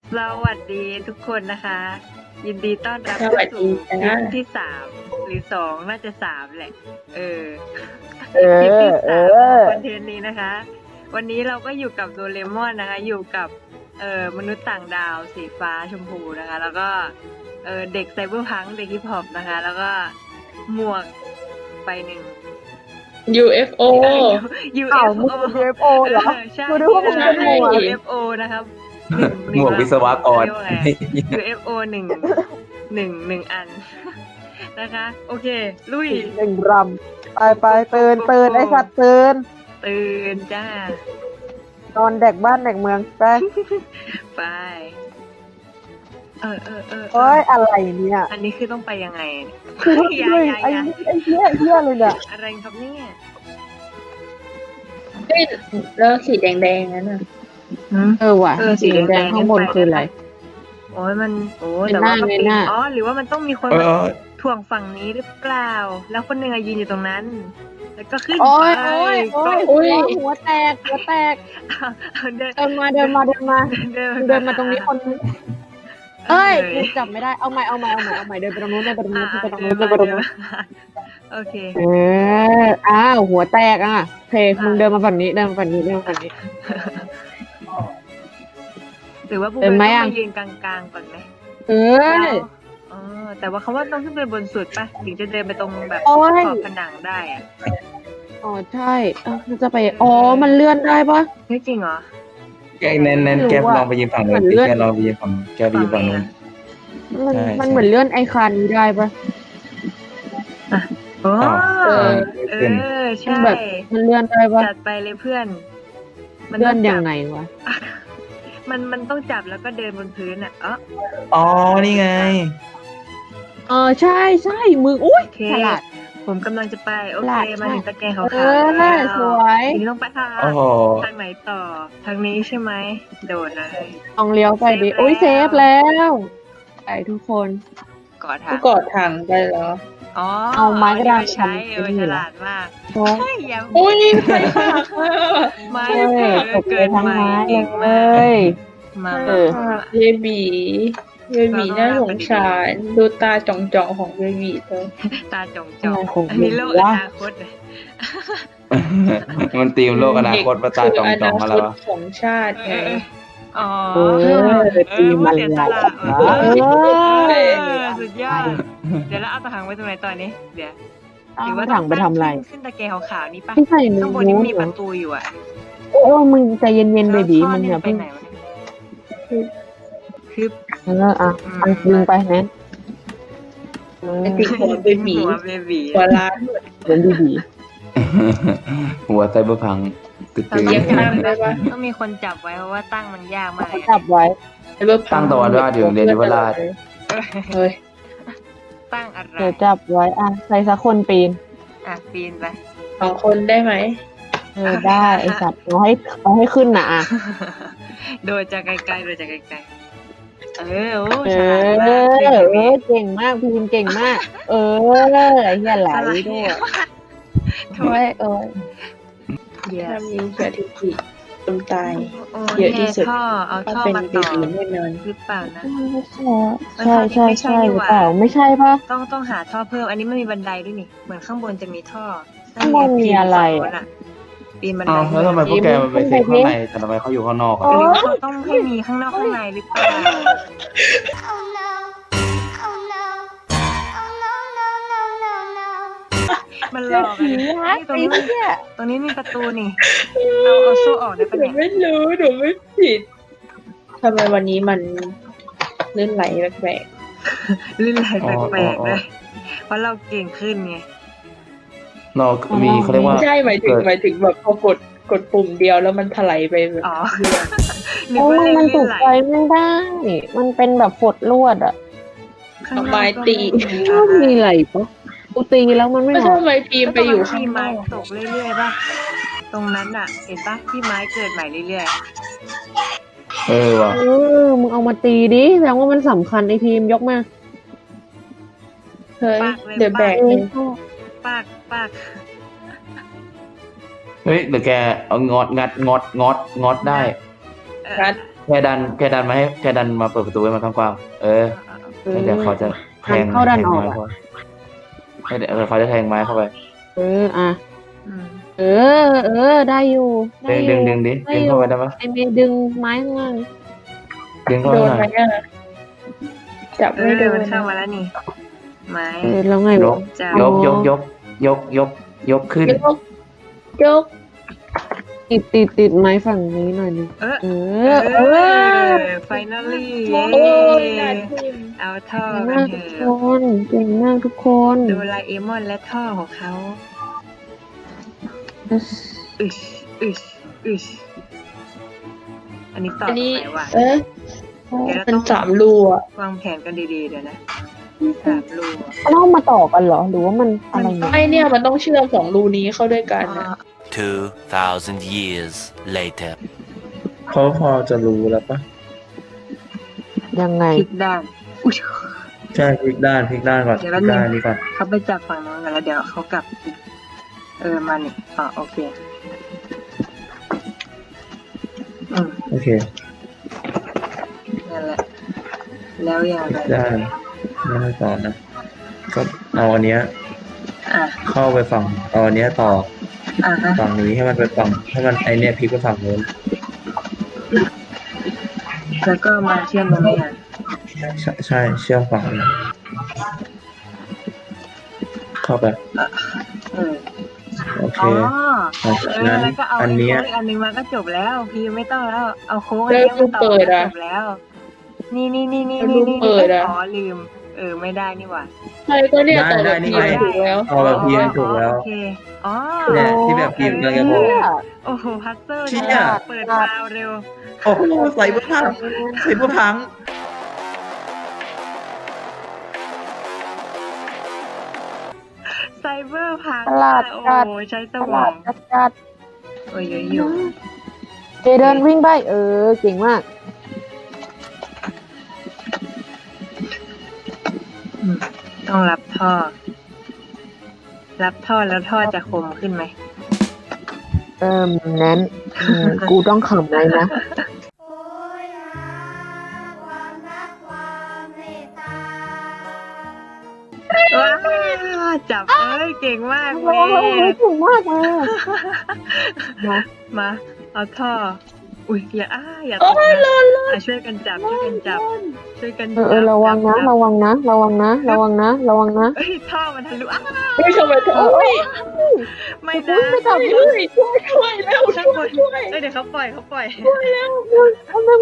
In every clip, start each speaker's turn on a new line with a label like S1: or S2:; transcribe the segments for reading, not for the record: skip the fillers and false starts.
S1: สวัสดีทุกคนนะคะ ยินดีต้อนรับ
S2: สวัสดี
S1: สู่คลิ
S2: จ้า
S1: ปที่3หรือ2น่าจะ3แหละ
S3: เอ
S1: คลิป
S3: อ
S1: ที่
S3: เอ
S1: 3ของ
S3: อ
S1: คอนเทนต์นี้นะคะ วันนี้เราก็อยู่กับโดเรมอนนะคะ อยู่กับมนุษย์ต่างดาวสีฟ้าชมพูนะคะ แล้วก็เด็กไซเบอร์พังค์เด็กฮิปฮอปนะคะ แล้วก็หมวกไปหนึ่ง
S2: UFO
S3: อ้าว
S1: UFO
S3: มึงเป็น UFO เหรอ
S1: ใช่
S3: กูนึกว่ามึงเป็นหมวก
S1: UFO นะครับ
S4: หมวกวิศวกร
S1: เรียกว่าไง UFO หนึ่งอัน นะคะ โอเค ลุย
S3: หนึ่งรำไปตื่นไอ้สัตว์ตื่น
S1: ตื่นจ้าน
S3: อนแดกบ้านแดกเมืองไป
S1: ไป เออ
S3: เอ้ยอะไรเนี่ย
S1: อันนี้คือต้องไปยังไง
S3: คือ
S1: อย่า
S3: ไอ้
S1: อย่า
S3: เหี้ยเลยเนี่ย
S1: อะไรครับเนี่ย
S2: เฮ้ยแล้วสีแดงๆนั้นน่ะ
S3: เออว่ะ
S1: สีแดง
S3: ข้างบนคืออะไร
S1: โอ้ย
S3: เป็น
S1: แต่
S3: หน้า
S1: ว่าก็
S3: เป็น
S1: ปี
S3: หน้า
S1: อ๋อ หรือว่ามันต้องมีคน
S4: เอ
S1: มา
S4: อ
S1: ถ่วงฝั่งนี้หรือเปล่า แล้วคนหนึ่งอะยืนอยู่ตรงนั้น แล้วก็ขึ้น
S3: โอ้ย
S1: ไป
S3: โอ้ยหัวแตก
S1: เอาเดิน
S3: เดินมาเดินมาตรงนี้คนนึงเอ้ยกูจับไม่ได้เอาใหม่เดินไปตรงนู้นเดินไปตรงนู้น
S1: อ่ะ
S3: เดินไปตรง
S1: เดิ
S3: นู้
S1: น
S3: นเดิ
S1: มาน
S3: ไปตร
S1: เดิ
S3: ง
S1: น
S3: นู้น
S1: มาโอเค
S3: อ้าวหัวแตกอ่ะโอเคมึงเดินมาฝั่งนี้เดินมาฝั่งนี้
S1: หรือว่าผู้
S3: เดิ
S1: เป็น น
S3: ไหม
S1: ต้อง
S3: อ่ะ
S1: มายืนกลางๆก่อนไหม
S3: เออ
S1: อ๋อแต่ว่าเขาว่าต้องขึ้นไปบนสุดปะถึงจะเดินไปตรงแบบ
S3: โอ้ย
S1: ขอบผนังได้อะ
S3: อ๋อใช่มันจะไปอ๋อมันเลื่อนได้ปะ
S1: เฮ้ยจริงเหรอ
S4: แกแนน
S3: ไม่รู้
S4: แก
S3: อะ
S4: ลองไปยืนฝั่งนู้น
S3: เหมือนเลื่อน
S4: แกลองไปยืนฝั่งแกไปยืนฝั่งนู้น
S3: มัน
S4: ใช่
S3: มันเหมือนเลื่อนไอคอนนี้ได้ปะ
S1: โอ้
S4: อ้าว
S3: เออ
S1: เอ
S4: ขึ้น
S1: อใช่
S3: แบบมันเลื่อนได้ปะ
S1: จัดไปเลยเพื่อน
S3: เลื่อน
S1: ต้
S3: ยั
S1: จั
S3: ง
S1: บ
S3: ไงวะ
S1: มันต้องจับแล้วก็เดินบนพื้นอ่ะอ๋อ
S4: อ๋อ นี่ไง
S3: ใช่มึงอุ้ย
S1: โอเค
S3: ฉลาด
S1: ผมกำลังจะไปโอ
S3: ฉลา
S1: เค
S3: ด
S1: มาถึงตะแกรงขาว
S3: เอ
S1: ๆ
S3: อ
S1: แล้ว
S3: สวย
S1: ทีนี้ต้องไปทาง
S4: โอ้โห
S1: ทางไหนต่อทางนี้ใช่ไหมโดดเลย
S3: ลองเลี้ยวไปดิ
S1: เซฟแล้ว
S3: โอ้ยเซฟแล้วไปทุกคน
S1: กอดทา
S2: ก็
S1: ง
S2: กอดถังไปเหรอ
S1: อ๋อ
S3: เอาไม้กระดาน
S1: ใช้
S3: ทำเป็นนี่
S1: ฉ
S3: เหรอ
S1: ลาดมาก
S3: โอ้
S1: เฮ้ยอย่า
S2: อุ้ยไฟปากอะ
S1: ไม้
S3: เออตก
S1: เกิ
S3: เลย
S1: น
S3: ทั้ง
S1: ไป
S3: ไม้
S1: เก่ง
S3: เล
S1: มาก
S3: ย
S1: มา
S3: เออ
S2: เบบีน่าสงสารดูตาจ่องๆของเบบีเลย
S1: ตาจ่อง
S3: อะไรของ
S1: อันนี้โลก
S3: มึง
S1: อ
S3: วะ
S1: นาคตเลย
S4: มันตีมโลกอนาคตประตาจองจองมาแล้ว
S2: คืออนาคตของชาติไง
S1: อ๋อ
S3: เออตีมัน
S1: เสียส
S3: ละ
S1: ละ
S3: เออ
S1: สุดยอดเดี๋ยวแล้วเอาตะหังไว้ตรงไหนตอนนี้เดี๋ยว
S3: เอาถังไปทำอะไร
S1: ขึ้นตะแกรงขาวๆนี่ปะ
S3: ไม่ใช่มึ
S1: ข้าง งบนนี้
S3: นู้น
S1: มี
S3: เหร
S1: ป
S3: อ
S1: ระตูอยู่อ่ะ
S3: โอ้มึงใจเย็นๆเบบี
S1: แล้วท่อ
S3: มึง
S1: นี่
S3: อย่า
S1: ไป
S3: เพิ่ง
S1: ไหนวะเนี่ยคือ
S3: อันดึงไปแนน
S2: เป็นติดหัวเบบี
S1: หัวเบบี
S2: หัวล้าน
S3: เดินดี
S4: หัวไซเบอร์พังตึ๊ด
S1: ต้อง
S2: เลี้ยง
S1: จั
S2: ข้าง
S1: บ
S2: ได้ปะ
S1: ต้องมีคนจับไว้เพราะว่าตั้งมันยากมาก
S3: ๆ
S1: เลย
S3: จับไว้
S4: ตั้งตะวันราชอยู่เรียนยุวราช
S2: เฮ้ย
S1: ตั้งอะไร
S3: เดี๋ยวจับไว้ใครสักคนปีน
S1: ปีนไป
S2: 2 คนได้ไหม
S3: ได้ไอสัตว์เอาให้ขึ้นนะอ่ะ
S1: โดยจากไกลๆโดยจากไกลๆโอ้
S3: เอ
S1: ฉลาดมาก
S3: เก่งมากพีมเก่งมาก ไอ้เหี้ยไหลด้วย
S1: โท
S3: โอ้
S1: ษ
S3: ยโอ้ย
S1: เดี๋ยว
S2: ถ้ามีสถิติคนตาย
S1: โอ้
S2: เยอะที่สุด
S1: ท่อเอา
S2: ถ้า
S1: ท่อ
S2: เป็น
S1: มา
S2: เบ
S1: ต่อ
S2: บีแน่นอน
S1: หรือเปล่านะ
S3: ใช่หรือเปล่าไม่ใช่ปะ
S1: ต้องหาท่อเพิ่ม อันนี้ไม่มีบันไดด้วยนี่ เหมือนข้างบนจะมีท่อ
S3: ข้างบนมีอะไร
S1: ปีนบันได
S4: อ้าวแล้วทำไมพวกแกมันไปเซ็กข้างในแต่ทำไมเขาอยู่ข้างนอก
S1: ห
S4: อ่ะ
S1: รือว่าเขาต้องให้มีข้างนอกข้างในหรือเปล่า
S5: Oh no. Oh no. Oh no, no, no, no, no.
S1: มันหลอก
S3: ผี
S1: อะ
S3: รัก
S1: ตรง
S3: ไอ้
S1: นี้มัน
S3: เหี้ย
S1: ตรงนี้มีประตูนี่เอาโซ่ออกได้
S2: ห
S1: ปะ
S2: นู
S1: เนี่ย
S2: ไม่รู้หนูไม่ผิดทำไมวันนี้มันลื่นไหลแปลก
S1: ลื่นไหลแปลกๆเลยเพราะเราเก่งขึ้นไง
S4: เรามีเขาเรียก
S2: ๆ
S4: ว่า
S2: ไม่ใช่หมายถึงแบบพอกดปุ่มเดียวแล้วมันถลายไปแบบ
S1: อ๋อนึก
S3: โอ้
S1: ว่าเล่น
S3: มัน
S1: ลื่
S3: ถู
S1: น
S3: ก
S1: ไหล
S3: ใจไม่ได้ มันเป็นแบบฝดลวดอ่ะ
S1: ข้างนอก
S2: ไม้ตี
S3: ชอบมีอะไรปะกูตีแล้วมันไม่
S2: ก็
S3: ออก
S2: ทำไมพีมไปอยู่ข้างน
S1: ไม้
S2: อก
S1: ตกเรื่อยๆป่ะตรงนั้นอ่ะ เห็นป่ะที่ไม้เกิดใหม่เรื่อย
S4: ว่ะ
S3: มึงเอามาตีดิแสดงว่ามันสำคัญไอพีมยกมา
S2: เฮ้ยเดี๋ยวแบกเลย
S1: ๆปาก
S4: เฮ้ยเดี๋ยวแกเอางอดได้
S1: เออ
S2: งัด
S4: แค่ดันมาให้แค่ดันมาเปิดประตูให้มันกว้างๆแล้วเดี๋ยวเขาจะแทง
S3: เข้าดันออก
S4: ไม้เข้าไปเดี๋ยวเขาจะแทงไม้เข้าไป
S3: อ่ะ
S1: อืม
S3: ได้อยู่ได้อยู่
S4: ดึงดิดึงเข้าไปได้ปะ
S3: ไอเมย์ดึงไม้ข้างล่าง
S4: ดึงเข้า
S2: โด
S4: ไป
S2: น
S4: หน่
S2: ไหม
S4: อย
S2: อ่ะจับไม่โด
S1: มัน นเข้ามาแล้วนี่ ไม้
S3: แล้วไง
S4: ยว
S3: ะ
S4: ก
S1: จับ
S4: ยกขึ้น
S2: ยก
S3: ติดไม้ฝั่งนี้หน่อยนึง
S1: เออ
S3: เอ
S1: เอ
S3: อ
S1: finally
S2: โอ้
S1: เย้
S2: ยน่าทิม
S1: เอาท่อ
S3: เก่ง
S1: กั
S3: มาน ก
S1: เถ
S3: ทุก
S1: อะ
S3: คนเก่งมากทุกคน
S1: โดราเอมอนและท่อของเขาอึชอันนี้ต่อ
S2: อันนี้
S1: ไปว่ะ
S2: เดี๋ยวเราเป็น3 รูอ่ะ
S1: วางแผนกันดีๆเดี๋ยวนะ3 รูอะ
S3: มันต้องมาต่อกันเหรอ หรือว่ามันอะไรเนี่ย
S2: ไม่เนี่ยมันต้องเชื่อม2 รูนี้เข้าด้วยกันนะ
S6: 2,000 years later.
S7: เขาพอจะรู้แล้วปะ
S3: ยังไง
S1: พลิกด้านอุ๊ย
S7: ใช่พลิกด้านก่อน
S1: เดี๋ยว
S7: พ
S1: แป๊
S7: ลิ
S1: บนึง
S7: กด้านนี้ก่อน
S1: เขาไปจับฝั่งนู้นกันแล้วเดี๋ยวเขากลับอีกมานี่โอเค
S7: โอเค
S1: นั่นแหละ แล้วอย่างไร
S7: ด้านไม่ต้องต่อนะก็เอาอันเนี้ย
S1: อ่ะ
S7: เข้าไปฝั่งเอาอันเนี้ยต่อ
S1: ฮะ
S7: ฝั่งนี้ให้มันไปฝั่งให้มันไอเนี้ยพลิกไปฝั่งนู้น
S1: แล้วก็มาเชื่อมตรงนี้อ่ะ
S7: ใช่เชื่อมฝั่งนี้เข้าไป
S1: เออ
S7: โอเค
S1: อ๋อ
S7: หลังจากนั้น
S1: แล้วก็เอา
S7: อัน
S1: ไอ้
S7: เนี้ย
S1: โค้งอีกอันหนึงมาก็จบแล้วพี่ไม่ต้องแล้ว เอาโค้งอันนี้มาต่อก็จบแล้ว นี่อ๋อลืม ไม่ได้นี่หว่า
S2: ใช่ก็เนี่ยต่อ
S7: ได้
S2: แบบ
S7: นี่
S2: นี้
S7: ไง
S2: ถูกแล้ว
S7: เอาแบบพีถูกแล้ว
S1: โอเคอ๋อ
S7: เนี่ยที่แบบพิมพ์กำลังจะบอก
S1: โอ้โหพัซเซิล
S7: เชี่ย
S1: เนี่ยเปิดดาวเร็ว
S7: โอ้โหใส่เบอร์พังใส่เบอร์พัง
S1: ไซเบอร์พัง
S3: ตลาด
S1: โอ้
S3: จัด
S1: โหใช้ส
S3: ต
S1: ม
S3: ลา
S1: อ
S3: ด
S1: ง
S3: จัด
S1: โอ้ยอยู่
S3: เจเดินวิ่งไปเก่งมาก
S1: ต้องรับท่อ รับท่อแล้วท่อจะคมขึ้นไหม
S3: นั้นกูต้องขำอะไรนะ
S5: โอ้ยหาความรักความเมตตา
S1: ว้าจับเก่งมากเว้
S3: โอ้
S1: ย
S3: ยเก่งมากเลย
S1: มาเอาท่อ อุ้ยอย่าตกนะช่วยกันจับช่วยกันจับ
S3: ระวังนะระวังนะระวังนะระวังนะระวังนะ
S1: เอ้ยท่อมันทะลุ
S2: ไม่ทำไมเธอโอ้ย
S1: ไม่นะ
S3: ไม่จับ
S2: ช่วยแล้ว
S1: ช่วยเดี๋ยวเขาปล่อย
S3: วันนึง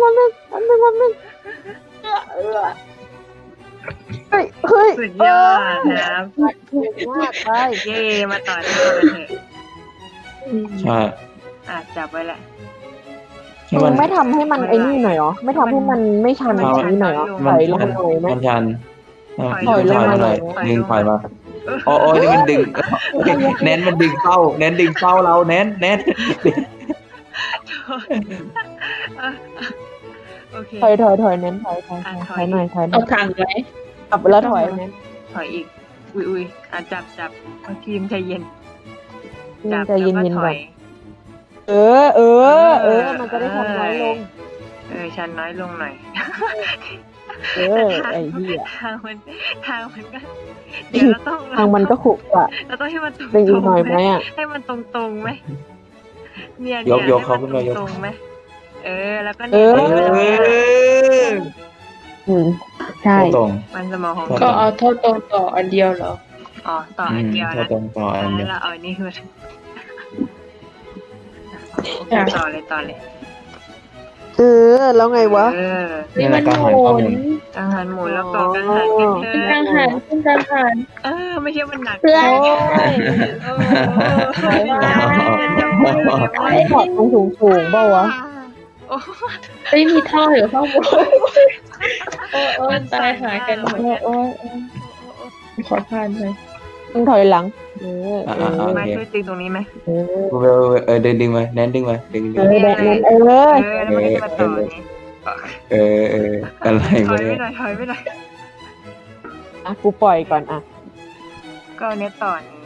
S3: เฮ้ย
S1: สุดยอดนะครับ
S3: เก่งมากไป
S1: เย่มาต่อท่อกันเถอะ
S4: ใช่
S1: จับไว้แหละ
S4: ให้มัน
S3: ไม่ทำให้มันไอ้นี่หน่อยเหรอไม่ทำให้มันไม่ชันแบบนี้หน่อยเหรอถอยลงหน่อยไหม
S4: มันชัน
S3: ถอยลงมาหน่อย
S4: ดึงถอยมาโอ้ยนี่มันดึงแนนมันดึงเข้าแนนดึงเข้าเราแนน
S1: โอเค
S3: ถอยเน้นถอยหน่อยถอยหน่
S2: เอา
S3: อย
S2: ทางไหม
S3: กลับแล้วถอยเน้น
S1: ถอยอีก อุ้ยจับเอาทีมใจเย็น
S3: ใจเย็นๆ
S1: ถ
S3: ก่อ
S1: อน ย
S3: มันจะได้ทำน้อยลง
S1: ชันน้อยลงหน่อย
S3: ไอ้เหี้ย
S1: ทางมันก็เดี๋ยวเราต้อง
S3: ทางมันก็ขุกอะ
S1: เราต้องให้มันตรง
S3: เป็นอีกหน่อยไหมอ่ะ
S1: ให้มันตรงไหมเนี่ย
S4: ยกเขาขึ้นมายก
S1: ตรงไหมแล้วก็
S3: ใช่
S4: ตรง
S1: มันสมองของ
S2: ก็เอาโทษตรงต่ออันเดียวเหรอ
S1: ต่ออันเดียว
S4: ถ้า
S1: นะ
S4: ตรงต่ออันเดียว
S1: แล้วเอาอันนี้คือต่อเลย
S3: แล้วไงวะ
S4: นี่แหละการหายข้อมูล
S1: กังหันหมุนแล้วต่อกังหันกันเถ
S2: ขึ้นกลาง
S1: อะ
S2: หันขึ้นกลางหัน
S1: ไม่ใช่มันหนัก
S2: เพื่อน
S3: ไอ้ถอดตรงสูงเปล่าวะ
S2: ไม่มีท่ออยู่ข้างบนโอ้ยตายหากันหมด
S3: โอ้ย
S2: ขอผ่านเลย
S3: ต้องถอยหลัง
S1: มาช่วยตีตรงนี้ไหม
S4: ดึงมาแนนดึงมาดึง
S1: แล้วมันก็มาต่อนี้
S4: อะไร
S1: ถ
S4: วะ
S1: อย
S4: เนี่
S1: ไม่
S4: ย
S1: หน่อยถอยไม่หน่อย
S3: กูปล่อยก่อนอ่ะ
S1: ก็เนี้ยต่อนี้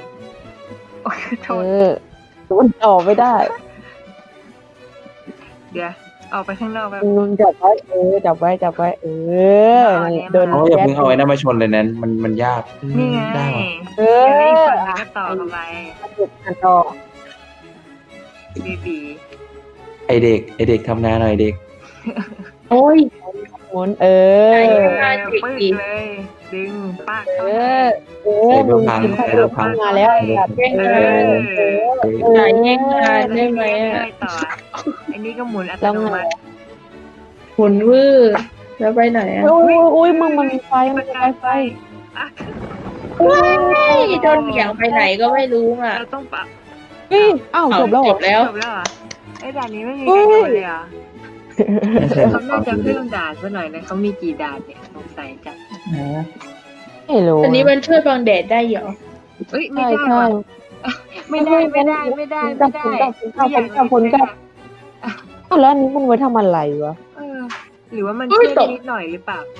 S1: โอ้ยโทษ
S3: มันต่อไม่ได้
S1: เดี๋ยวออกไปข้างนอกแบบ
S3: มึงจับไว้จับไว้โดน
S4: อย่าเพิ่งเอาไอ้นั่นมาชนเลยแนนมันยาก
S1: นี่ไง
S4: ได้หรอ
S3: เอ
S1: เดี๋ยว
S3: อ
S1: อีกฝั่งนึงก็ต่อเข้าไป
S3: อันต่อ
S1: บีบี
S4: ไอเด็กทำงานหน่อยเด็ก
S2: โอ้ย
S3: หมุน
S2: ไอ้
S1: ปึ๊กเลย ดึงปาก
S3: เอ
S1: เข้าไป
S3: อมึงคิดว่ามาแล้วแบบ
S2: แย่ง
S1: เอ
S2: งาน
S1: อ
S2: ไหนแย่งงานได้ไหม
S1: เรื่
S2: อ่ะ
S1: อยๆต่ออันนี้ก็หมุนอัต
S3: แล้ว
S1: โน
S3: ไง
S1: มัติ
S2: หุนวื้อแล้วไปไหนอ่ะ
S3: อุ้ยมึงมันมีไฟมันมีไฟ
S1: อ่ะ
S2: โดนเหวี่ยงไปไหนก็ไม่รู้อ่ะ
S1: เราต้องปรับ
S3: เฮ้ยอ้าวจบแล้วเหรอ
S2: แล้ว
S1: จบแล้วเหรอไอ้ด่านนี้ไม่มีใครโดนเลยเหรอเขาน่าจะเพิ่มด่านซะหน่อยนะเขามีกี่ด่านเนี่ยสงสัยจัง
S3: ไม่รู้
S2: อันนี้มันช่วยบังแดดได้เหรอ
S1: เอ้ยไม่
S3: ใช่
S1: ได้
S3: ใช่
S1: ว่ะไม่ได้ไม่ได้ไม่ได้ไม่ได้
S3: อ้าวแล้วอันนี้มันไว้ทำอะไรวะ
S1: เออหรือว่ามันช่วยได้นิดหน่อยหรือเปล่า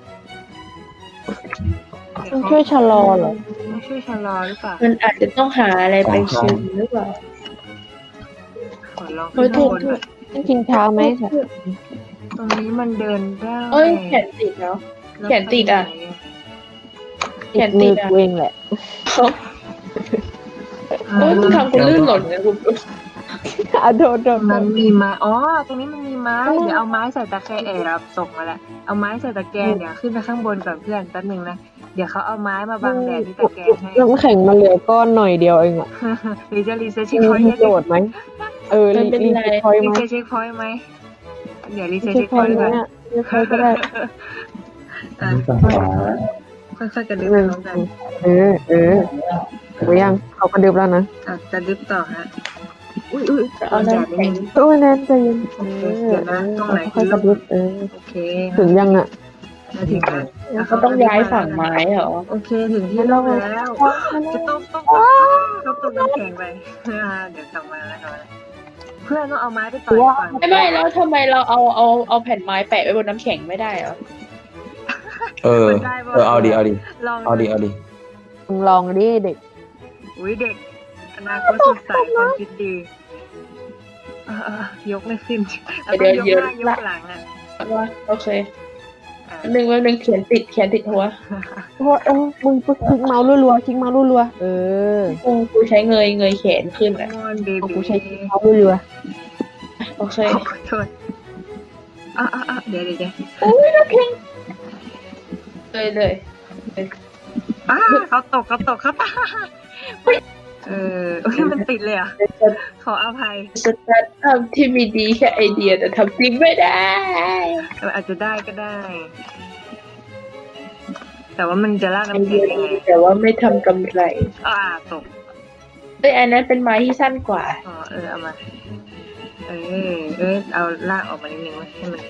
S3: มันช่วยชะลอเหรอ
S1: มันช่วยชะลอหรือเปล่า
S2: มันอาจจะต้องหาอะไรไปซึมหรือเปล่า
S1: ขอลองขึ้นข้างบนหน่อย
S3: ต้องกินช้าไหม
S1: ตรงนี้มันเดินได้
S2: เอ้ยแขนติดเนาะ แขนติดอะ แขนติ
S3: มื
S2: ด
S3: อ
S2: อ่ะ
S3: กูเองแหละ
S2: โอ้ยมึงทำกูลื่นหล่นเลยกู
S3: อ่ะโดน
S1: มันมีไม้อ๋อตรงนี้มันมีไม้เดี๋ยวเอาไม้ใส่ตะแกรงเราส่งมาแล้วเอาไม้ใส่ตะแกรงเดี๋ยวขึ้นไปข้างบนก่อนเพื่อนแป๊บนึงนะเดี๋ยวเขาเอาไม้มาบังแดดที่ตะแกรงให้
S3: น้ำแข็งมันเหลือก้อนหน่อยเดียวเองอ่ะ
S1: หรือจะรีเซ็ตเช็ค
S3: มี
S1: พอยต์
S3: โจทย์ไหมรีพอยต์
S1: รี
S3: ไหม
S1: เซ็ตเช็คพอยต์ไหมเดี๋ยวรีเซ็ต
S3: เช็
S1: เช็
S3: ค
S1: ค
S3: พ
S1: พ
S3: อ
S1: อย ย
S3: ต์
S1: ต์
S3: ไหม
S1: ก่อน
S3: อ่ะเช็คพอยต์ก็ได้
S1: อ่ะ
S7: ฝั่งขวา
S1: ค่อยๆกระดึ๊บพร้อมกัน
S3: หรือยังเขากระดึบแล้วนะ
S1: อ่ะกระดึ๊บต่อฮะอุ้ยเอาแดดนิดนึง
S3: โอ้ยแนนใจเย็น
S1: ค่อยๆกระดึ๊บโอเค
S3: ถึงยังอ่ะ
S1: มาถึงแล้ว
S2: เขาต้องย้ายฝั่งไม้เหรอ
S1: โอเคถึงที่โลกแล้วจะต้องตกน้ำแข็งไปเดี๋ยวกลับมาแล้วกันเพื่อนต้องเอาไม้ไปต่อยก่อน
S2: ไม่แล้วทำไมเราเอาแผ่นไม้แปะไว้บนน้ำแข็งไม่ได้เหรอ
S4: เอาดิ
S1: ลอง
S4: เอาดิ
S3: มึงลองดิเด็ก
S1: อุ้ยเด็กอนาคตสดใสความคิดดียกไม่ขึ้นแล้วก็ยกหน้ายกหลังอ่ะ
S2: ว่าโอเคหนึ่งเขียนติดหัว
S3: มึงคลิกเมาส์รัวๆคลิกเมาส์รัวๆ
S2: กูใช้เงยแขนขึ้นอ่ะ
S1: มอนเบ
S3: กู
S1: บี้
S3: ใช้คลิกเมาส์รัว
S2: โอเค
S1: ขอโทษเดี๋ยว
S2: เลย
S1: เขาตกมันติดเลยอ่ะขออภัย
S2: สตาร์ททำที่มีดีแค่ไอเดียแต่ทำจริงไม่ได้
S1: อาจจะได้ก็ได้ แต่ว่ามันจะลาก
S2: ไอ
S1: น้ำ
S2: เดี
S1: แข็
S2: ย
S1: งยัง
S2: ดี
S1: ไง
S2: แต่ว่าไม่ทำกำไร
S1: ตก
S2: อันนั้นเป็นไม้ที่สั้นกว่า
S1: เอามาเอาลากออกมานิดนึงให้มัน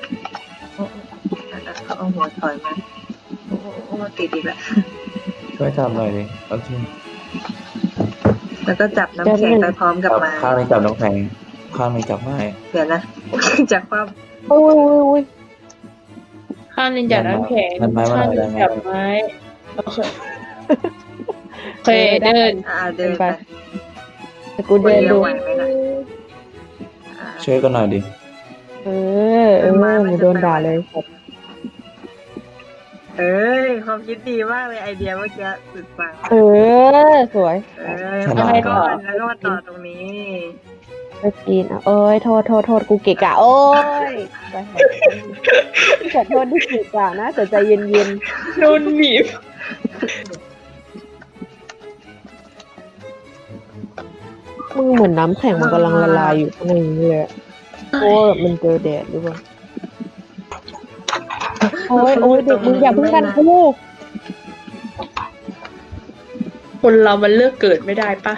S1: เอาหัวถอยมาโอ้ติดอีกแล้ว
S4: ช่วยจับหน่อยดิโอเค
S1: แล้วก็จับน้ำแข็งไปพร้อมกับไม้
S4: ข้างนึงจับน้ำแข็งข้างนึงจับไม้
S1: เดี๋ยวนะจากความ
S3: ๆโอ้ย
S2: ข้างหนึงจับน้ำแข็งข้างหนึงจับไม้โอเคเดิน
S1: เดินไป
S3: แต่กูเดินดู
S1: ไหวไหมล่ะ
S4: ช่วยกันหน่อยดิ
S3: มึงโดนด่าเลย
S1: ความคิดดีมากเลยไอเดียเมื่อกี้สุดปัง
S3: สวย
S1: แล้วก็มาต่อตรงนี้
S3: ไปกินโอ้ยโทษกูเกะกะโอ้ยขอโทษที่เกะกะนะแต่ใจเย็น
S2: โดนหนีบ
S3: ๆมึงเหมือนน้ำแข็งมันกำลังละลายอยู่ข้างในนี้เลยโอ้ยมันเจอแดดหรือเปล่าโอ้ยเด็กมึงอย่าเพิ่งกันกู
S2: คนเรามันเลือกเกิดไม่ได้ปะ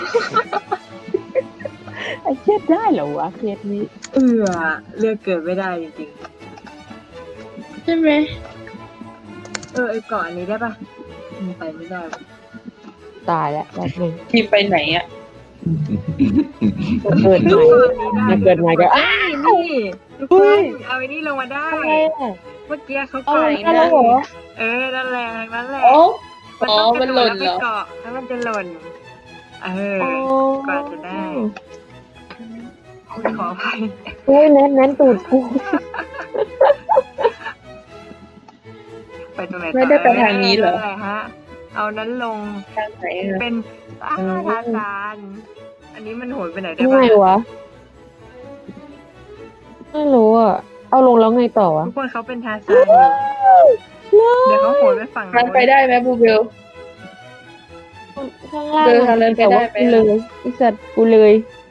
S3: ไอ้เครียดได้เหรอวะเครียดนี้
S1: เลือกเกิดไม่ได้จริง
S2: ใช่ไหม
S1: ไอเกาะอันนี้ได้ปะมันไปไม่ได้
S3: ตายแล้วแบบนึง
S2: ทีมไปไหนอ่ะ
S3: เกิดใหม่จะเกิดใหม่ก็
S1: นี่ทุกคนเอาไอ้นี่ลงมาได้ เมื่อกี้เขา
S3: เอา
S1: เกาะ
S3: เลยได้แล้วเหรอ
S1: นั่นแหละนั่นแหละ
S2: มันหล่นเหรอ
S1: เกาะแล้วมันจะหล่นกว่าจะได้ขออภัย
S3: เฮ้ยแนนตูดกู
S1: ไปตรงไหนต่อ
S2: ไม่ได้ไปทางนี้เหรอ
S1: อะไรฮะ เอานั้นลง
S2: ทางไหนอะ
S1: เป็นทาซานอันนี้มันโหนไปไหนได้
S3: ทำ
S1: บ้า
S3: ไง
S1: ง
S3: วะไม่รู้อ่ะเอาลงแล้วไงต่อวะ
S1: ทุกคนเขาเป็นทาซานอยู่เดี๋ยวเขาโหนไปฝั่ง
S2: ทาง
S1: โน้น
S2: ไปได้ไหมบูเบล
S3: ข้างล่าง
S2: เดินทางเลยไป
S3: แต่
S2: ได้
S3: ว่า
S2: ไหม
S3: กูเลยไอสัตว์กูเลย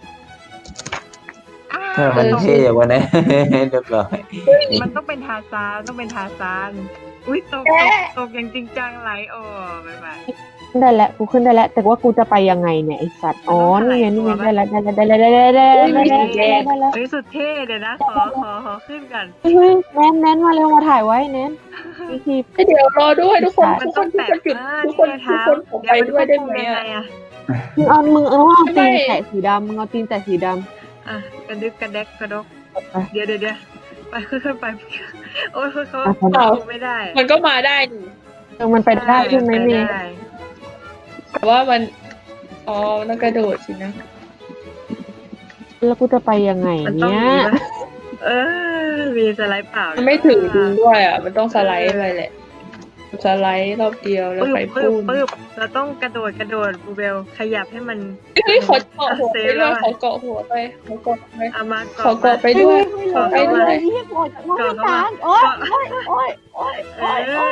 S4: ถ้ามันเท่กว่านี้ เรียบร้อย
S1: มันต้องเป็นทาซานต้องเป็นทาซานอุ้ยตกอย่างจริงจังไหลโอ้บ๊ายบาย
S3: ได้แล้วกูขึ้นได้แล้วแต่ว่ากูจะไปยังไงเนี่ยไอสัตว์อ๋อ
S1: มันต้อง
S3: นี่ไง
S1: ถลาย
S3: นี่ไง
S1: ตัวปะ
S3: ได้แล้วได้แล้วได้แล้วได้แล้ว
S1: เฮ้ยสุดเท่เดี๋ยวนะขอขึ้นกัน
S3: เฮ้ยแนนมาเร็วมาถ่ายไว้แนนนี่ที
S2: เดี๋ยวรอด้วยทุกคน
S1: มัน
S2: ทุกค
S1: ต้อน ง
S2: ทุก
S1: แตะ
S2: คนหยุด
S1: นี่
S2: ทุก
S1: ไง
S2: คน
S1: เท้า
S2: ผมไปด้วยได้ไหม
S1: ยัง
S2: อะ
S1: งอะ
S3: มึงเอาตีน
S2: ไม่
S3: แตะสีดำมึงเอาตีนแตะสีด
S1: อ่ะกระดึกกระแดกกระดก
S3: ำไป
S1: เดี๋ยวไปขึ้นไปโอ้ยเขา
S3: อ่ะ
S1: ลงไม่ได้
S2: มันก็มาได้นี่
S3: มันไปได้ใช่ไหมเมย์
S1: ด้
S2: แต่ว่ามันอ๋อต้องกระโดดสินะ
S3: แล้วกูจะไปยังไง
S1: มันต้อง
S3: เนี่ย
S1: มีปะมีสไลด์เปล่า
S2: มันไม่ถึงจริงด้วยอ่ะ มันต้องสไลด์ไปแหละสไลด์รอบเดียวแล้ว
S1: ปึ๊บ
S2: ไป
S1: ปึ๊บ
S2: พุ่ง
S1: ปึ๊บเราต้องกระโดดบูเบลขยับให้มัน
S2: เฮ้ยขอเกาะหัว
S1: เซ
S2: ไป
S1: ฟแล้
S2: ด้ว
S1: วย อะ
S2: ขอเกาะหัวไปขอเกาะไป
S1: เอามา
S2: ขอเกาะไปด้วยขอไปด้วย
S3: ที่ปวดจากว่าตางโอ๊ยโอ๊ยโอ๊ย
S1: เอ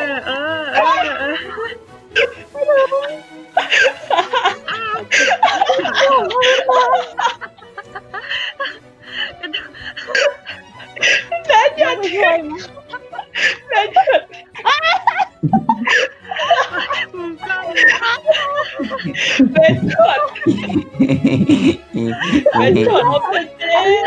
S1: อ
S3: ยังไม่ช่วยมั้ย
S1: มุมกล้อง
S2: เป็นช็อตเป็นช็อตเอาไปเจ๊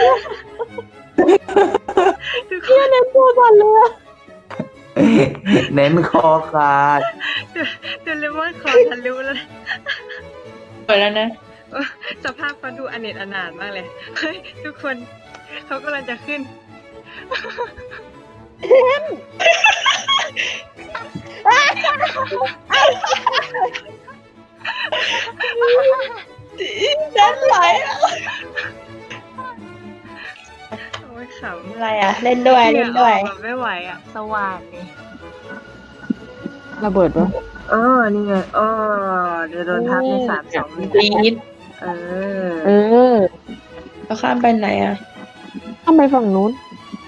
S1: ทุกค
S3: เพื่อน
S1: น
S3: เล่นตัวก่อนเลย
S4: เน้นคอขาด
S1: เดลมอนคอทะลุแล้ว
S2: เปิดแล้วนะ
S1: สภาพเขาดูอเนจอนาถมากเลยเฮ้ยทุกคนเขากำลังจะขึ้น
S2: ด้านไหลอ่ะ
S1: โอ้ยขำ
S2: อะไรอ่ะ เล่นด้วยเล่นด้วย
S1: แบบไม่ไหวอ่ะ สว่างนี่
S3: ระเบิดปะ
S1: นี่ไงเดี๋ยวโดนทับใน3-2
S2: ปีด
S1: เออ
S2: เราข้ามไปไหนอ่ะ
S3: ทำไมฝั่งนู้น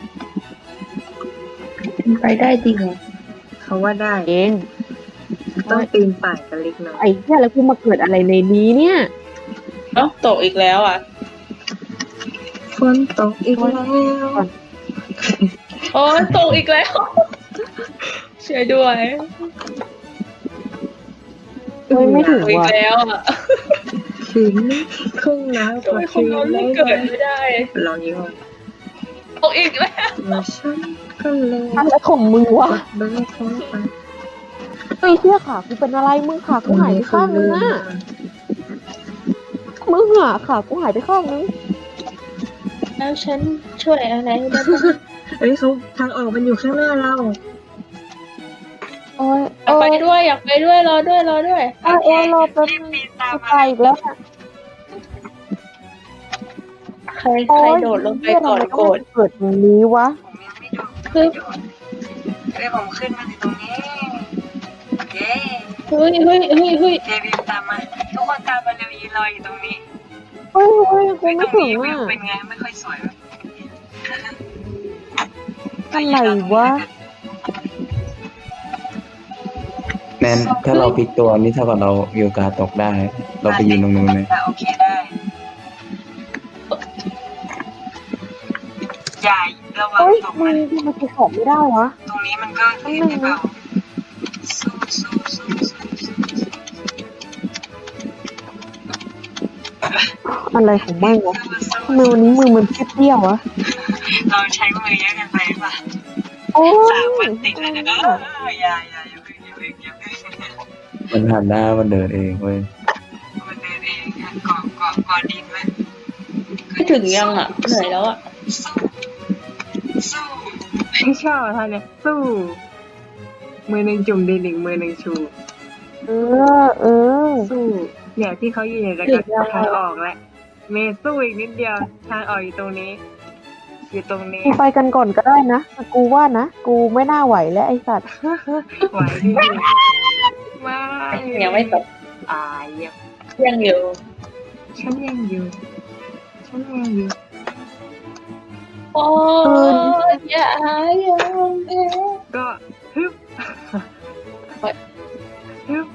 S2: ไปได้จริงเหรอ
S1: เขาว่าได้
S3: เอง
S1: ต้องปีนป่ายกันเล็กน้อย
S3: ไอ้เหี้ยแล้วกูมาเกิดอะไรในนี้เนี่ย
S2: เอ้าตกอีกแล้วอ่ะ
S1: ฝนตกอีกแล้ว
S2: โอ้ยตกอีกแล้วช่วยด้วย
S3: เฮ้ยไม่ถึง
S2: ตกอีก
S3: ว่ะ
S2: แล้วอ่ะ
S1: คืนครึ่งน้ำ
S2: ทำไมคนเราเลือกเกิดไม่ได้
S1: ลองยิ้ม
S2: ตกอีกแล้ว
S1: มาฉันก็เลย
S3: อะไรของมึงวะ
S1: เบิร์เข้าไป
S3: เฮ้ยเชี่ยขากูเป็นอะไรมึงขากูหายไปข้างนึงอ่ะมึงอ่ะขากูหายไปข้างนึง
S2: แล้วฉันช่วยอะไรได้บ้าง
S1: เฮ้ยเขาทางออกมันอยู่ข้างหน้าเรา
S3: โอ้ย
S2: อยากไปด้วยอยากไปด้วยรอด้วยรอด้วย
S3: โอ้ยรอแป๊บนึงกูไปอีกแล้วอะ
S2: ใครโดดลงไปก่อนโกรธ
S3: เกิดตรงนี้วะ
S2: คือ
S1: เฮ้ยผมขึ้นมาถึงตรงนี้เย้
S2: เฮ้ย
S1: เจวิวตามมาทุกคนตามมาเร็วยืนรออยู่ตรงนี้
S3: เฮ้ยกูไม่
S1: ตรง
S3: ถึง
S1: นี้วิ
S3: อ่ะ
S1: วเป็นไงไม่ค่อยสวย
S3: อะไรวะ
S4: แน้นถ้าเราพลิกตัวนี่เท่ากับเรามีโอกาสตกได้ เราไปยืนตรงนู้นเลย
S1: โอเคได้อย่าระวัง
S3: เฮ้ย
S1: ตก
S3: มึ
S1: มัน
S3: งมันจะขอบไม่ได้วะ
S1: ตรงนี้มันก็เห็นได้เปล่าสู้
S3: อะไรของมึงวะทำไมวันนี้มือมันเปรี้ยวๆวะ
S1: เราใช้มือเยอะกันไปป่ะ
S3: โอ้ย
S1: 3 วันติดเลยนะอย่าอย่าเพิ่ง
S4: มันหันหน้ามันเดินเองเว้ย
S1: มันเดินเองเกาะดินไว้
S2: ไม่ถึงยังอ่ะเหนื่อยแล้วอ่ะ
S1: สู้ไม่ชอบท่าเนี่ยสู้มือหนึ่งจุ่มดินอีกมือหนึ่งชู
S3: เออ
S1: สู้เนี่ยที่เขายืนอยู่แล้วก็ทางออกแล้วเมย์สู้อีกนิดเดียวทางออกอยู่ตรงนี้ อยู่ตรงนี้
S3: กูไปกันก่อนก็ได้นะแต่กูว่านะกูไม่น่าไหวแล้วไอ้สัตว์
S1: ไหวดิไม่
S2: ยังไม่ตก
S1: อายอ่ะ
S2: ยังอยู่
S1: ฉันยังอยู่ ฉันยังอยู่
S2: โอ้ยอย่ายังเอ๊ะ
S1: ก็ฮึบ
S2: เฮ้ย
S1: ฮึบ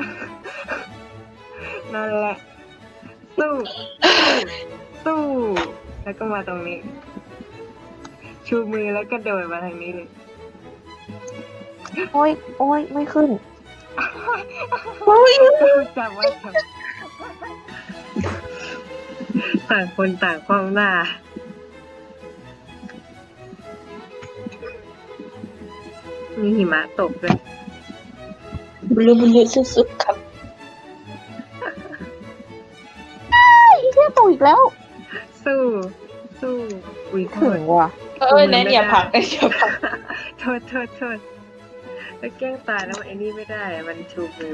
S1: นั่นแหละ สู้ สู้ แล้วก็มาตรงนี้ ชูมือแล้วก็โดดมาทางนี้เลย
S3: โอ้ยโอ้ยไม่ขึ้น
S1: จับไว้จับต่างคนต่างความหน้า มีหิมะตกด้วย
S2: บลูบลูสุดๆครับ
S3: อีเที่ยตกอีกแล้ว
S1: สู้ สู้ อุ้ยโท
S3: ถึ
S1: ษ
S3: งว่ะ
S2: แนนอย่าพังอย่าพัง
S1: โทษแล้วแกล้งตายแล้วมันไอ้นี่ไม่ได้ มันชูมือ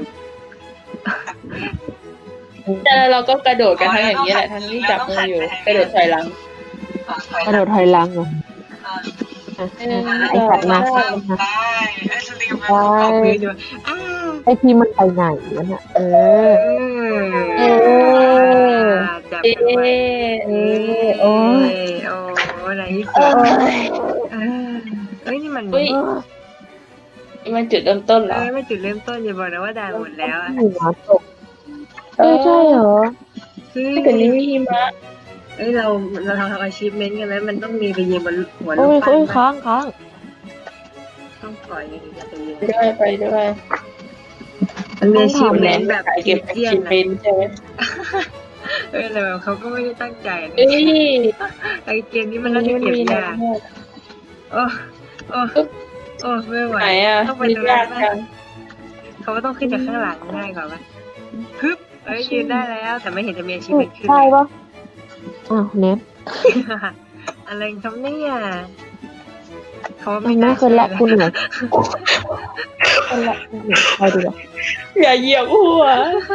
S2: แต่เราก็กระโดดกันทั้งอย่างนี้แหละทั้งที่จับมืออยู่กระโดดถอยหลัง
S3: กระโดดถอยหลังเหรออ่ะไอสัตว์มา
S1: ได้เอามืออยู่อ้าว
S3: ไอทีมันไปไหนวะเนี่ยเออ เออ
S1: จับ
S2: เอ๊
S1: มือไว้
S3: เออโอ้ย
S1: โอ้ไหนที่
S3: เอ
S1: สุด
S3: อ
S1: เอ้ยนี่มัน
S2: อุ้ยมันจุดเริ่มต้นเหรอ
S1: ไม่จุดเริ่มต้นอย่าบอกนะว่าด่านหมดแล้วอะ
S3: หิมะตกเออใช่เหรอ
S2: ถ้าเกิดนี้มีหิมะ
S1: เอ้ยเราทำachievementกันไหมมันต้องมีไปยืนบนหัว
S3: โอ้
S1: ลู
S3: ย
S1: กปั้
S3: โอ้ย
S1: น
S3: ค้างค้าง
S1: ต้องปล่อยอย่างนี้จะไปยืน
S2: ไปด้วย
S1: มันมี
S3: ต้องทำ
S1: achievement แบบ
S2: เก็บ
S1: เจียน
S2: ชิม
S1: นะ
S2: เป็นใช่ไหม
S1: เอ้ยแต่แบบเขาก็ไม่ได้ตั้งใจนะ
S2: เอ้ย
S1: ไอเกมนี้มันน่าจะเก็บ
S2: มี
S1: ยากโอ้โอ้โอ้ไม่ไหว
S2: ไหนอ่ะ
S1: ต้องไป
S2: มี
S1: ดู
S2: ยา
S1: แล
S2: กจัง
S1: เขาก็ต้องขึ้นจากข้างหลังง่ายกว่าปะฮึบเอ้ยยืนได้แล้วแต่ไม่เห็นจะมี achievement ขึ้น
S3: ใช่ปะอ้าวเน็ต
S1: อะไรครับเนี่ยเขา
S3: ไม่
S1: ไม่
S3: น่า
S1: น่า
S3: เคยละ
S1: ชื่อ
S3: คุณเหนื่อยคนละคุณเหนื่อยไปดีกว่า
S2: อย่าเหยียบหัว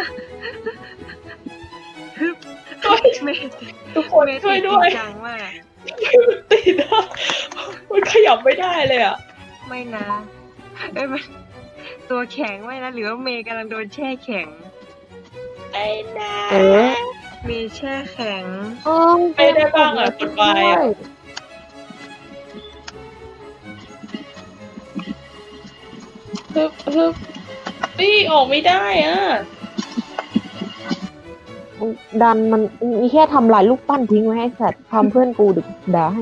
S1: ฮึบเมย์
S2: ทุกคนช่วยด้วย
S1: จังมาก
S2: ติดอ่ะมันขยับไม่ได้เลยอ่ะ
S1: ไม่นะเอ้ยมันตัวแข็งไม่นะหรือว่าเมย์กำลังโดนแช่แข็ง
S2: ไอ้นา
S3: เออ
S1: มีแช่แข็ง
S2: ไม่ได้บ้างอ่ะกดไฟอ่ะฮึบนี่ออกไม่ได้อ่ะ
S3: ดันมันมีแค่ทำลายลูกปั้นทิ้งไว้ให้สัตว์ทำเพื่อนกูดึกด่าให้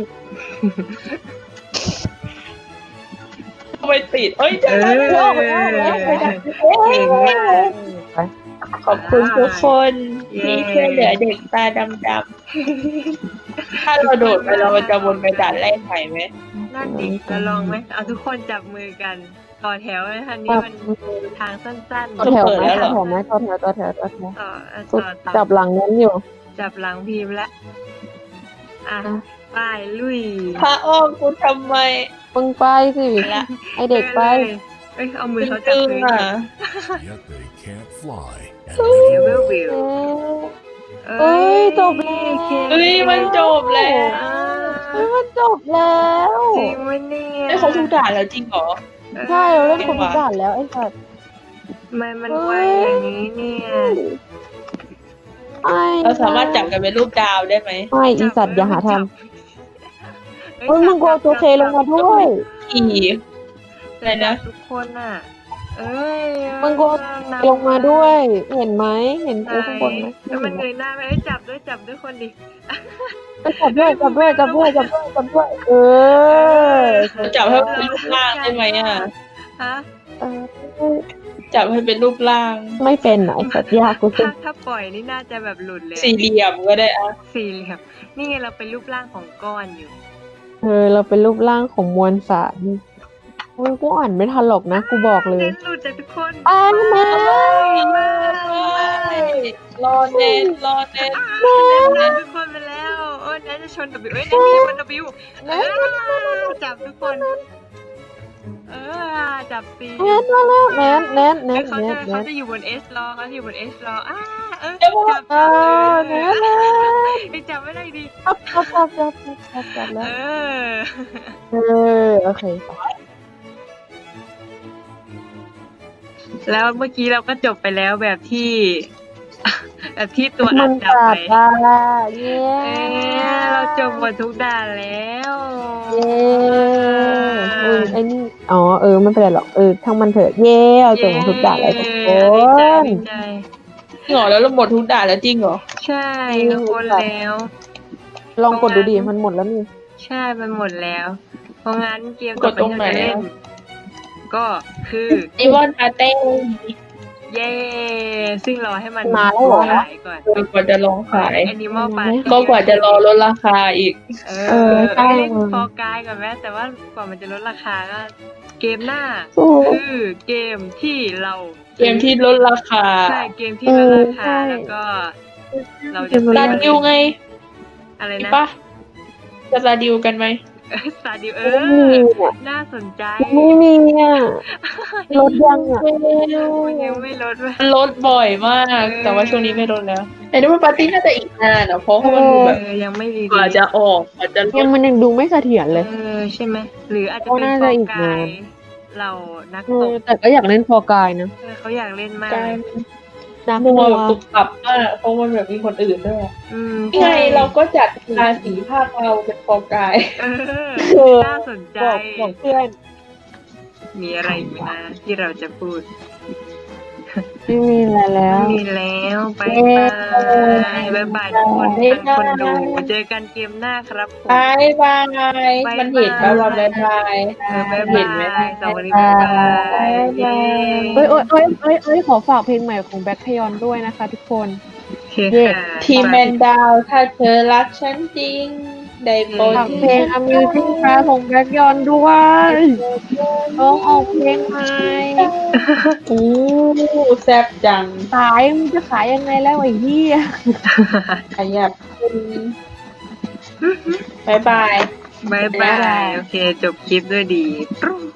S2: ทำไมติดเอ้ยจะได้ไม่ออกแล้วไปดับ
S1: เก่งมาก
S2: ขอบคุณทุกคนที่ช่วยเหลือเด็กตาดำๆถ้าเราโดดไปเราจะวนไปด่านแรกใหม่ไหม
S1: นั่นดิเราลองไหมเอาทุกคนจับมือกันต่อแถวนะทันนี้มันทางสั้น
S3: ต่อแถวไหมต่อแถวไหมต่อแถวต่อแถวต่อแถว
S1: ๆต่อ
S3: กู
S1: ต่อ
S3: จับหลังนั้นอยู่
S1: จับหลังพิมพ์แล้วอ่ะไปลุย
S2: พระอ้อมกูทำไม
S3: มึงไปสิไอเด็กไป
S1: เอ้ยเอามือเขาจับ
S2: ตึง
S1: พื้น
S2: อ่ะ
S8: Yet they can't fly. And
S1: เดี๋ยว
S8: live
S1: วิว
S3: เอ้ยจบแล้ว
S2: เฮ้ยมันจบแล้ว
S3: เฮ้ยมันจบแล้ว
S1: จริงไหมเนี่ย
S2: ไอ้เขาทุกด่านแล้วจริงเหรอ
S3: ใช่เราเล่นคนทุกด่านแล้วไอ้สัตว์
S1: ทำไมมันไวอย่างนี้เนี่ย
S3: ไอ้
S2: เราสามารถจับกันเป็นรูปดาวได้ไหม
S3: ไม่อีสัตว์อย่าหาทำเฮ้ยมึงโกตัวเคลงมาด้วย
S2: ขี่
S1: อะไรนะทุกคนน่ะ เอ้ย
S3: มึงโกลงมาด้วย เห็นไหมเห็นกูข้างบนไหม
S1: แล้วมันเงยหน้าไปเอ้ยจับด้วยคนดิ
S3: จับด้วยจับด้วยจับด้วยจับด้วยจับด้วยเออ
S2: จับให้เป็นรูปร่างได้ไหมอ่ะ
S1: ฮะ
S3: เออ
S2: จับให้เป็นรูปร่าง
S3: ไม่เป็นไหนสัตว์ยากกูสิ
S1: ถ้าปล่อยนี่น่าจะแบบหลุดเลย
S2: สี่เหลี่ยมก็ได้อ่ะ
S1: สี่เหลี่ยมนี่ไงเราเป็นรูปร่างของก้อนอยู่
S3: เราเป็นรูปร่างของมวลสารมึงกูอ่านไม่ทันหรอกนะกูบอกเลย
S1: เน้นหลุดจากทุกคน
S3: อ่านมา
S2: รอเน้นรอเน้น
S1: เน้นทุกคนไปแล้วโอ้ยแนนจะชน W เอ้ยแนนจะชน W จับทุกคน จับจับซี
S3: แนนมาแล้วแนนแนนแน
S1: เอ้ย
S3: น
S1: เขา
S3: แน
S1: จะ
S3: นแน
S1: เขา
S3: น
S1: จะอยู่บนเอสรอเขาจะอยู่บนเอสรอจับ
S3: เอ
S1: จับ
S3: อแนนแนน
S1: ไอ้จับไม่ได้ดี
S3: จับแล้
S1: เอ
S3: ว
S1: อ
S3: โอเค
S1: แล้วเมื่อกี้เราก็จบไปแล้วแบบที่ แบบที่ตัว
S3: มั
S1: อั
S3: น
S1: ดจับ
S3: จั
S1: ไป
S3: บได้เย้
S1: เราจบหมดทุกด่านแล้ว
S3: เย้มึงไอ้นี่อ๋อไม่เป็นไรหรอกทั้งมันเถอะเย้เราจบหมดทุกด่านแล้วทุกค
S1: ดีใจ
S3: น
S1: ดีใจ
S2: จริงเหรอแล้วเราหมดทุกด่านแล้วจริงเหรอ
S1: ใช่ทุกคนแล้ว
S3: ลองกดดูดิมันหมดแล้วนี่
S1: ใช่มันหมดแล้ว เพราะงั้นเกม
S2: ก
S1: ต่อ
S2: ด
S1: ไป
S2: ตรง
S1: ที่
S2: ไหน
S1: เราจะเล่น
S2: อะ
S1: ก็คือ
S2: ไอวอนปาเต้
S1: เย้ ซึ่งรอให้มัน
S3: มาแล้วเหรอ
S1: ขายก่อน
S2: กว่าจะลองขาย
S1: แอนิมอลปาร์ตี้
S2: ก็กว่าจะรอลดราคาอีก
S3: ใช่
S1: เล่นฟอร์กายก่อนแม่แต่ว่ากว่ามันจะลดราคาก็เกมหน้า
S3: โอ้
S1: คือเกมที่เรา
S2: เกมที่ลดราคา
S1: ใช่เกมที่ลดราคา
S3: ใช่
S1: แล้วก็เราจะ
S2: สตาร์ดิวไง
S1: อะไร
S2: มี
S1: นะ
S2: ปะจะสตาร์ดิวกันไหม
S1: สตาร์ดิว
S3: ไม่มีอ่ะ
S1: น่าสนใจ
S3: ไม่มีอ่ะลดยังอ่ะ
S1: มันยังไม่ลดเลย
S2: ลดบ่อยมาก แต่ว่าช่วงนี้ไม่ลดแล้วแต่นี่มันปาร์ตี้น่าจะอีกนานอ่ะเพราะว่ามันดูแบบ
S1: ยังไม่รี
S2: กว่าจะออกกว่าจะล
S3: ยัง
S2: ด
S3: มันยังดูไม่เสถียรเลย
S1: ใช่ไหมหรืออาจจะ
S3: ก็
S1: เป็น
S3: น่า
S1: ฟ
S3: จะ
S1: อ
S3: อี
S1: ร์
S3: ก
S1: กาน
S3: าย น
S1: เรานักตก
S3: แต่ก็อยากเล่นฟอร์กายนะ
S1: เขาอยากเล่นมาก
S2: กลาย
S3: นัก
S2: นัว
S3: นัว
S2: แบบตุบตับมากเพราะมันแบบมีคนอื่นด้วย
S1: อืม
S2: นี่ไงเราก็จัดราศีภาคเราเป็นฟอกาย
S1: น่าสนใจ
S3: บอกเพื่อน
S1: มีอะไรอีกไหมนะที่เราจะพูด
S3: ไม่มีอะไรแล้ว
S1: มีแล้วบายบายบายบายทุกคนทางคนดู เจอกันเกมหน้าครับผม
S2: บายบายมันเห็นไหมว่าบายบาย
S1: บาย
S2: เห็นไหม
S1: บายสวัสดีบายบายเย้
S3: ขอฝากเพลงใหม่ของแบ็คพยอนด้วยนะคะทุกคน
S1: โอเคค่ะ
S2: ทีมแมนดาวถ้าเธอรักฉันจริง ได้โปรด
S3: ฝากเพลง Amusing Car ของแบ็คยอนด้วยร้องออกเพลงใหม่
S2: อู้แซ่บจัง
S3: ขายมันจะขายยังไงแล้วไอ้เหี้ย
S2: ขยับคุณบายบาย
S1: บายบาย โอเค จบคลิปด้วยดี